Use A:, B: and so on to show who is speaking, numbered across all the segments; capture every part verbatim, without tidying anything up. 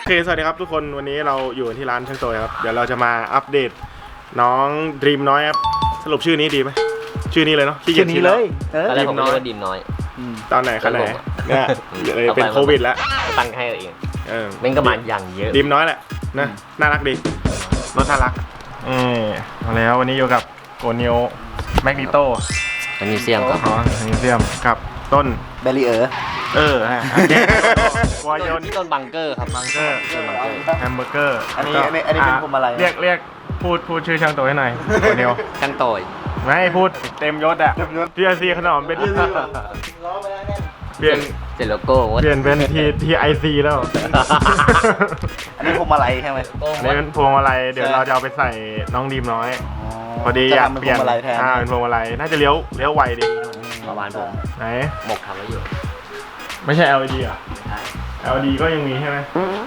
A: โอเคสวัสดีครับทุกคนวันนี้เราอยู่ที่ร้านช่างโตครับเดี๋ยวเราจะมาอัปเดตน้องดรีมน้อยครับสรุปชื่อนี้ดีไหมชื่อนี้เลยเนาะชื่อนี้เลย
B: อะไรผมเรียกว่าดิมน้อย
A: ตอนไหนขนาดไหนเนี่ยเป็นโควิดแล้ว
B: ตั้งให้เอง
A: เออ
B: เป็นกระมันอย่างเยอะ
A: ดิมน้อยแหละนะน่ารักดีรถน่ารักเออมาแล้ววันนี้อยู่กับโกนิโอแมกนิโต
B: แมกนีเซียมครับ
A: อ๋อแมกนีเซียมกับต้น
C: เบลลี่เออ
A: เออฮะวายน
B: นี่ต้นบังเกอร์ครับ
A: บังเกอร์แฮมเบอร์เกอร์
C: อันนี้อันนี้อันนี้เป็นพวงมาลัย
A: เรียกเรียกพูดพูดชื่อช่างโตให้หน่อยโกนิโอ
B: ช่างโตย
A: ไม่พูดเต็มยศอะทีไอซีขนมเป็นเปลี่ยน
B: เสร็จโลโก้
A: เปลี่ยนเป็นทีทีไอซีแล้ว
C: อันนี้พวงมาลัยใช่ไหม
A: อันนี้เป็นพวงมาลัยเดี๋ยวเราจะเอาไปใส่น้องดีมน้อยพอดีอยากเปลี่ยนอ่าเป็นพวงมาลัยน่าจะเลี้ยวเลี้ยวไวดี
B: ประมาณผม
A: ไหน
B: หมกทำไว้อยู่
A: ไม่ใช่ แอล อี ดี อ่ะ แอล อี ดี ก็ยังมีใช่ไหม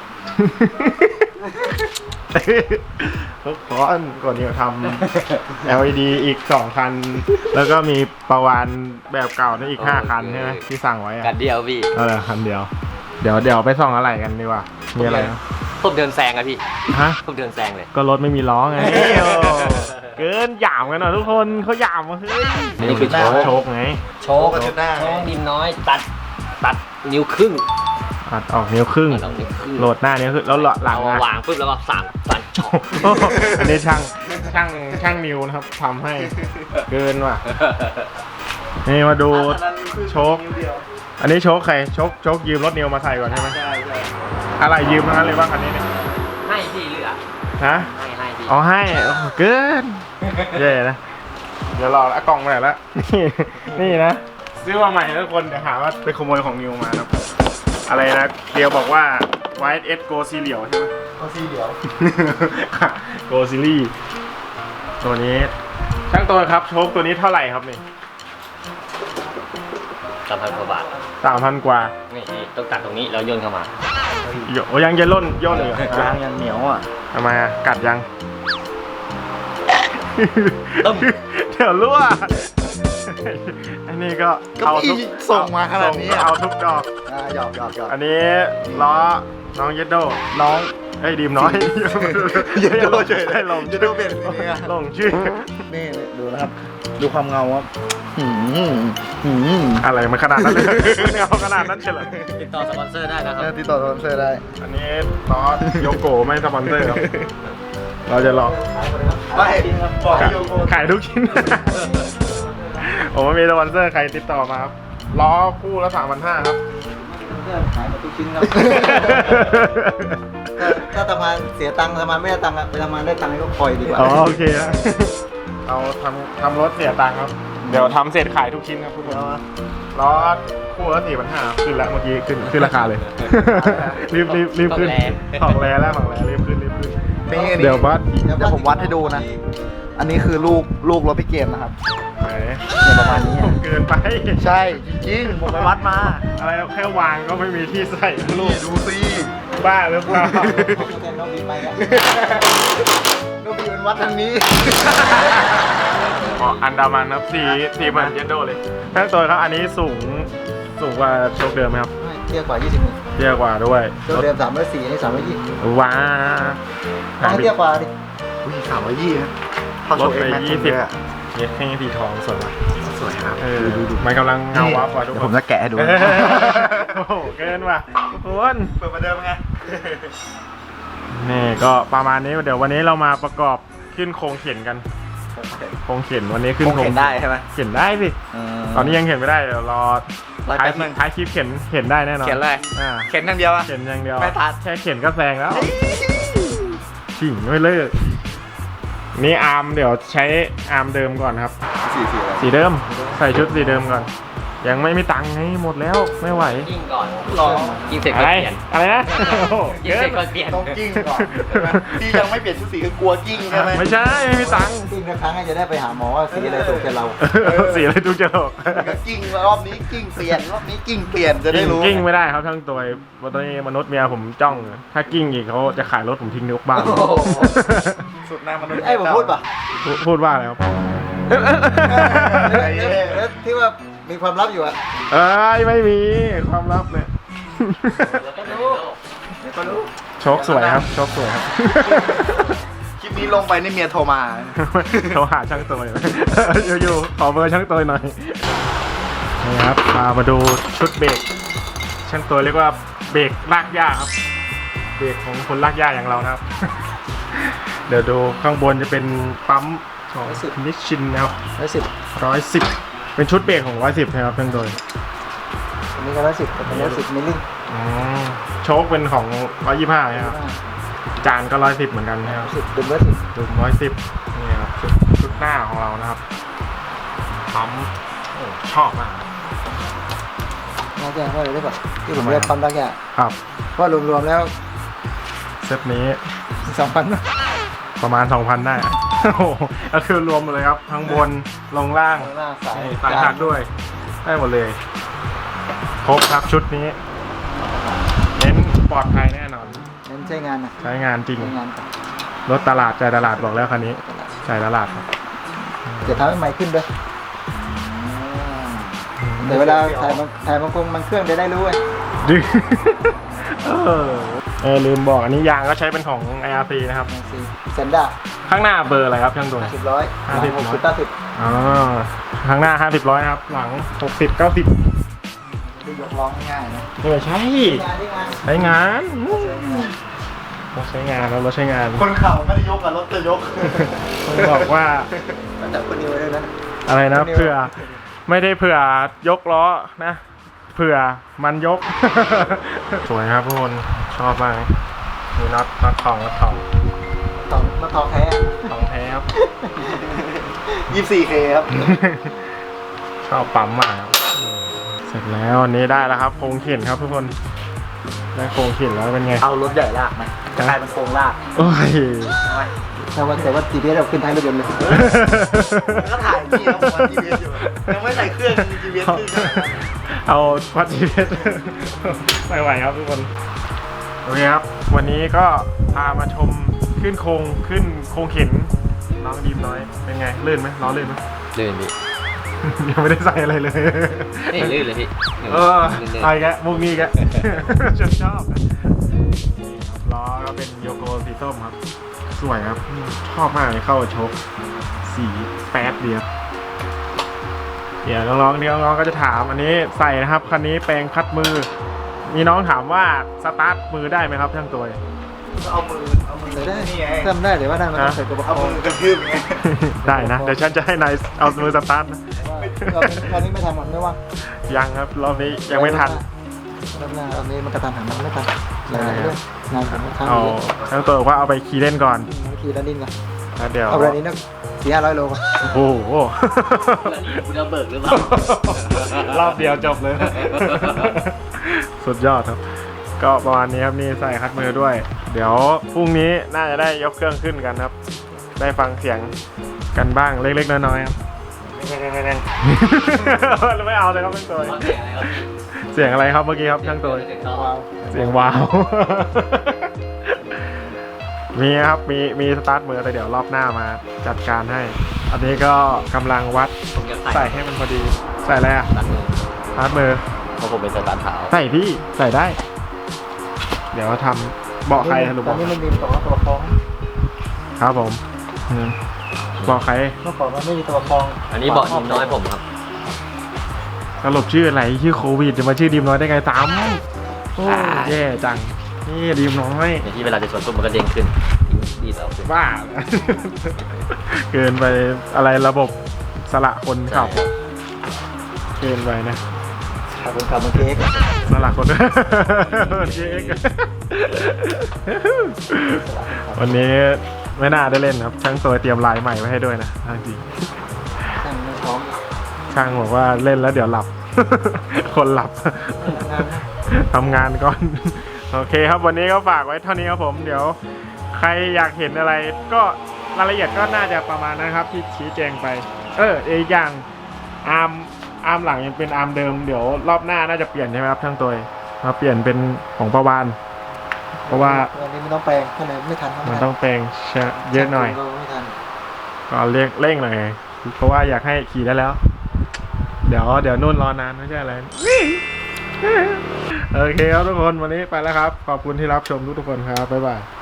A: ทุกคนก่อนนี้ทำ แอล อี ดี อีกสองคันแล้วก็มีประวานแบบเก่านี่อีกห้าคันใช่ไหมที่สั่งไว้
B: กันเดียวพี่
A: เออคันเดียวเดี๋ยวเดี๋ยวไปส่องอะไรกันดีกว่ามีอะไร
B: ผมเดินแซงอะพี่
A: ฮะ
B: ผมเดินแซงเลย
A: ก็รถไม่มีล้อไงเกินหยามกันหน่อยทุกคนเขาหยามมาเฮ้ย
B: นี่คือโชว์
A: โชว์ไง
B: โชว์ชุดหน้าดิมน้อยตัดตัดนิ้วครึ่ง
A: ตัดออกนิ้วครึ่งโหลดหน้านี้คือแล้วหลัง
B: วางปุ๊บแล้วก็สั่งสั่นช็อป
A: อันนี้ช่างช่างช่างนิ้วนะครับทำให้เกินว่ะนี่มาดูโชคอันนี้โชคใครโชคโชคยืมรถนิวมาใส่ก่อนใช่ไหมใช่ใช่อะไรยืมทั้งนั้นเลยว่าคันนี้เนี่ย
B: ให้พี่เหลือ
A: ฮะ
B: ให้ให้พี่
A: อ๋อให้เกินเย่นะเดี๋ยวรอแล้วกล่องมาแล้วนี่นี่นะซื้อมาใหม่ทุกคนเดี๋ยวหาว่าไปขโมยของนิวมาครับอะไรนะเดียวบอกว่า ไวท์ เอส โกซีเหลียวใช่ไหม
C: โกซีเหลียว
A: โกซีรี่ตัวนี้ช่างตัวครับโชคตัวนี้เท่าไหร่ครับนี่
B: สามพันกว่าบาท
A: สามพันกว่า
B: นี่ต้องตัดตรงนี้แล้วย่นเข้ามา
A: โอ้ยังจะล่นย่นเลย
C: ยางยังเหนียวอ่ะ
A: ทำไมอ่ะกัดยังเดี๋ยวรั่วอันนี้ก็เอาทุก
C: ส่งมาขนาดนี้
A: เอาทุกดอก
C: หยอกหยอกหยอก
A: อันนี้ล้อน้องเยดโด
C: น้อง
A: ไอ้ดีมน้อย
C: เยดโดเฉยได้ลงเยดโดเป็น
A: ลงชื่อ
C: นี่ดูนะครับดูความเงาครับ
A: อะไรมันขนาดนั้นเลยเงาขนาดนั้นเฉลย
B: ติดต่อสปอนเซอร์ได้นะครับ
C: ติดต่อสปอนเซอร์ได้
A: อันนี้ล้อโยโกไม่สปอนเซอร์ครับเราจะลอง
C: ไม่
A: ขายทุกชิ้นผมไม่มีสปอนเซอร์ใครติดต่อมาครับล้อคู่ละสามพันห้าครับ
C: ขายมาทุกชิ้นครับถ้าทำงานเสียตังค์ทำงานไม่ได้ตังค์ไปทำงานได้ตังค์ก็คอยดีกว่า
A: อ๋อโอเคนะเราทำทำรถเสียตังค์ครับเดี๋ยวทำเสร็จขายทุกชิ้นครับทุกคนล้อคู่ละสี่พันห้าขึ้นแล้วเมื่อกี้ขึ้นขึ้นราคาเลยรีบรีบรีบขึ้นของแร่แล้วของแร่รีบขึ้นรีบขึ้นเดี๋ยวบัส
C: เดี๋ยวผมวัดให้ดูนะอันนี้คือลูกลูกรถพี่เกมนะครับ
A: เนี่ยประมาณนี้เกินไป
C: ใช่จริงผมไปวัดมา
A: อะไรแค่วางก็ไม่มีที่ใส่ลูก
C: ดูซิ
A: บ้าหรือเปล่า
C: น้องบีไปกันน้องบีเป็นวัดทางนี้
A: อ๋ออันดามันครับสีสีเหมือนเยนโดเลยทั้งตัวครับอันนี้สูงสูงกว่าโชคเดิมไหมครับ
C: เทียบกว่ายี่สิบ
A: เทียบกว่าด้วย
C: โชคเดิมสามร้อยสี่นี่สามร้อยยี่
A: ว้า
C: เทียบกว่าดิอุ้ยสามร้อยยี่นะ
A: ลดไปยี่สิบเนี่ยให้สีทองสวยมาก
C: สวยครับ
A: เออดูดูมันกำลังเงาวับว่ะทุกคน
C: ผมจะแกะให้ดู
A: โอ้โหเกินว่ะทุกคน
C: เปิดมาเดิมไง
A: นี่ก็ประมาณนี้เดี๋ยววันนี้เรามาประกอบขึ้นโครงเข็นกันโครงเข็นวันนี้ขึ้น
C: โครงเข็นได้ใช่ไหม
A: เข็นได้สิตอนนี้ยังเข็นไม่ได้เดี๋ยวรอท้ายท้ายคลิปเข็นเข็นได้แน่นอน
C: เข็นเลยเข็นอย่างเดียวอะ
A: เข็นอย่างเดียว
C: ไม่ทัด
A: แค่เข็นก็แซงแล้วขิงไม่เลิกนี่อาร์มเดี๋ยวใช้อาร์มเดิมก่อนครับ
C: สีสี
A: สีเดิมใส่ชุดสีเดิมก่อนยังไม่มีตังค์ไงหมดแล้วไม่ไหว
B: กิ้งก่อนรอกิ้งเสร็จก็เปลี่ยน
A: อะไรนะ
B: กิ้งเสร็จก็เปลี่ยน
C: ต้องกิ้งก่อนที่ยังไม่เปลี่ยนชุดสีคือกลัวกิ้งใช่ไหม
A: ไม่ใช่ไม่มีตังค์
C: กิ้งครั้งจะได้ไปหาหมอว่าสีอะไรถูกใจเรา
A: สีอะไรถูกใจเรา
C: กิ้งรอบนี้กิ้งเปลี่ยนรอบนี้กิ้งเปลี่ยนจะได้รู้
A: กิ้งไม่ได้ครับทั้งตัวตอนนี้มนุษย์เมียผมจ้องถ้ากิ้งอีกเขาจะขายรถผมทิ้งนกบ้าน
C: สุดหน้ามนุษย์ไอ้ผมพูดป่ะ
A: พูดว่าอะไรครับ
C: ที่ว่ามีความลับอยู่อะ
A: เอ้ยไม่มีความลับเลย
C: ก็รู้ก็รู้
A: โชคสวยครับโชคสวยครับ
C: คลิปนี้ลงไปนี่เมียโทรมา
A: โทรหาช่างตัวหน่อย อยู่ๆขอเบอร์ช่างตัวหน่อยนี่ครับพามาดูชุดเบรกช่างตัวเรียกว่าเบรกลากหญ้าครับเบรกของคนลากหญ้าอย่างเรานะครับ เดี๋ยวดูข้างบนจะเป็นปั๊มของนิชชินนะครับ
C: ร้อยสิบ
A: ร้อยสิบเป็นชุดเบรกของร้อยสิบนะครับช่างตัว
C: อันนี้ก็ร้อยสิบแต่เป็นร้อยสิบมิลลิ
A: อ๋อโชคเป็นของร้อยยี่ห้าครับจานก็ร้อยสิบเหมือนกันนะครับ
C: สิบเป็นร้อยสิบ
A: ดุมร้อยสิบนี่ครับชุดชุดหน้าของเรานะครับปั๊มโอ้ชอบมาก
C: น่าจะเท่าไหร่ได้ป่ะที่ผมเรียกปั๊มดักแก่
A: ครับ
C: เพราะรวมๆแล้ว
A: เซตนี้
C: สองพัน
A: ประมาณ สองพัน ได้ โอ้โหก็คือรวมหมดเลยครับทั้งบนลงล่าง
C: หน้าสาย
A: สายหักด้วยได้หมดเลยครบครับชุดนี้เน้นปลอดภัยแน่นอน
C: เน้นใช้งานนะ
A: ใช้งานจริง
C: ใช้งานก่อน
A: รถตลาดใจตลาดบอกแล้วคันนี้ใจตลาดครับ
C: จะทำให้ใหม่ขึ้นด้วยแต่เวลาถ่ายมันถ่ายมันคงมันเครื่องจะได้รู้ไง
A: ดื้อ เออเออลืมบอกอันนี้ยางก็ใช้เป็นของ ไอ อาร์ ซี นะครับ
C: ซีเซนด้า
A: ข้างหน้าเบอร์อะไรครับช่างตัว
C: ห้าสิบร้อย
A: ห้าสิบ
C: หกสิบเก้าสิบ
A: อ๋อข้างหน้าห้าสิบร้อยครับ หลังหกสิบเก้าสิบ
C: ดูยกล้อง่ายๆนะ
A: ไม่ใช่
C: งานที่งาน
A: ใช้งานรถใช้งานแล้วรถใช้งาน
C: คนเข่าไม่ได้ยกอะรถจะยก
A: ต้องบอกว่า
C: แต่คนนี้ไว้ด้วยนะ
A: อะไรนะเผื่อไม่ได้เผื่อยกล้อนะเผื่อมันยก สวยครับทุกคนชอบมากมีน็อตน็อตทองน็อตทอง
C: ทองมาทองแท้
A: ทองแท้ครับ
C: ยี่สิบสี่เคครับ
A: ชอบปั๊มมากครับเสร็จแล้วอันนี้ได้แล้วครับโครงเข็นครับทุกคนได้โครงเข็นแล้วเป็นไง
C: เอารถใหญ่ลากไหมจะกลายเป็นโครงลาก
A: โอ้ย
C: แต่ว่าแต่ว่าจีพีเอสเราขึ้นท้ายรถยนต์เลยก็ถ่ายพี่แล้วผมว่าจีพีเอสอยู่ยังไม่ใส่เครื่องจีพีเอสขึ้นขนาดนั้น
A: เอาพัดจีเพชร ไม่ไหวครับทุกคนโอเคครับวันนี้ก็พามาชมขึ้นโครงขึ้นโครงเข็นน้องดีมน้อยเป็นไงลื่นไหมล้อลื่นไหม
B: ลื่นพี่
A: ยังไม่ได้ใส่อะไรเลย
B: นี่ลื่นเลยพี่
A: เออไอ้แกมุกนี้แก ฉันชอบล้อก็เป็นโยโกสีส้มครับสวยครับชอบมากเลยเข้าโชคสีแป๊ดเดียวเดี๋ยวน้องๆเดี๋ยวน้องๆก็จะถามอันนี้ใส่นะครับคันนี้แปลงคัดมือ มีน้องถามว่าสตาร์ทมือได้ไหมครับช่างตัว
C: เอามือเอามือได้เริ่มได้แต่ว่าได้มันต้องใส่กระบอกเอามือกระทืบไง
A: ได้นะ เดี๋ยวฉันจะให้นายเอามือสตาร์ทนะ
C: เราเรานี้ไม่ทำมันไม่ว่าง
A: ยังครับรอบนี้ยังไม่ทัน
C: รอบหน้ารอบนี้มันกระทันหันมันไม่ทันหลายๆเรื่องงานผมค้าง
A: เอา
C: เยอะ
A: ช่างตัวบอกว่าเอาไปขี่เล่นก่อน
C: ขี่แล้วดิ้นก่อน
A: แล้วเดี๋ยว
C: เอาแบบนี้นะสี่ห้าร้อยโลก่อน
A: โอ้โห
B: แล้วนี่คุณจะเบิกหรือเปล่าร
A: อบเดียวจบเลย สุดยอดครับ ก็ประมาณนี้ครับนี่ใส่คัดมือด้วย เดี๋ยวพรุ่งนี้น่าจะได้ยกเครื่องขึ้นกันครับ ได้ฟังเสียงกันบ้างเล็กๆน้อยๆครับ ไม่เอาเลยครับช่างตัว เสียงอะไรครับเมื่อกี้ครับช่างตัว เสียงว้าว มีครับมีมีสตาร์ทมือแต่เดี๋ยวรอบหน้ามาจัดการให้ อันนี้ก็กำลังวัด
B: ผมจะ
A: ใส่ให้มันพอดี ใส่อะไรอ่ะ
B: ตัดมือ
A: สตาร์ทมือ
B: เพราะผมเป็นสตาร์ทเท้า
A: ใส่พี่ใส่ได้ เดี๋ยวทำเบาะใครสรุป
C: ต
A: บ
C: อน
A: อก
C: นี้มันมีตัวตัวคล้อง
A: ครับผมอืมเบาะใคร
C: เมื่อก่อนมันไม่มีตัวคล้อง
B: อันนี้เบาะดิมน้อยผมครับ
A: สรุปชื่ออะไรชื่อโควิดจะมาชื่อดีมน้อยได้ไงตามโอ้แย่จังนี่ดีมน้อย
B: ในที่เวลาจะชนปุ๊บมันก็เด้งขึ้นดีแล้วขึ้น
A: บ้า เกินไปอะไรระบบสละคนขับ เกินไปนะ
C: ขับเป็นขับมันเค้ก
A: สละคน เค้กวันนี้ไม่น่าได้เล่นครับ ช่างตัวเตรียมลายใหม่ไว้ให้ด้วยนะจริง
C: ช่างไม่พร้อม
A: ช่างบอกว่าเล่นแล้วเดี๋ยวหลับ คนหลับ ทำงานก่อน โอเคครับวันนี้ก็ฝากไว้เท่านี้ครับผม เดี๋ยวใครอยากเห็นอะไร ก็รายละเอียดก็น่าจะประมาณนั้นครับที่ชี้แจงไป เอออีกอย่างอาร์มอาร์มหลังยังเป็นอาร์มเดิมเดี๋ยวรอบหน้าน่าจะเปลี่ยนใช่ไหมครับช่างตัวมาเปลี่ยนเป็นของประวานเพราะว่า
C: วันนี้มันต้องแปลงข้างในไม่ทัน
A: มันต้องแปลงเยอะหน่อย
C: ไม่ทัน
A: ก็เร่งเร่งหน่อยเพราะว่าอยากให้ขี่ได้แล้ว เดี๋ยวเดี๋ยวนุ่นรอนานไม่ใช่อะไรโอเคครับทุกคนวันนี้ไปแล้วครับ ขอบคุณที่รับชมทุกๆคนครับ บ๊ายบาย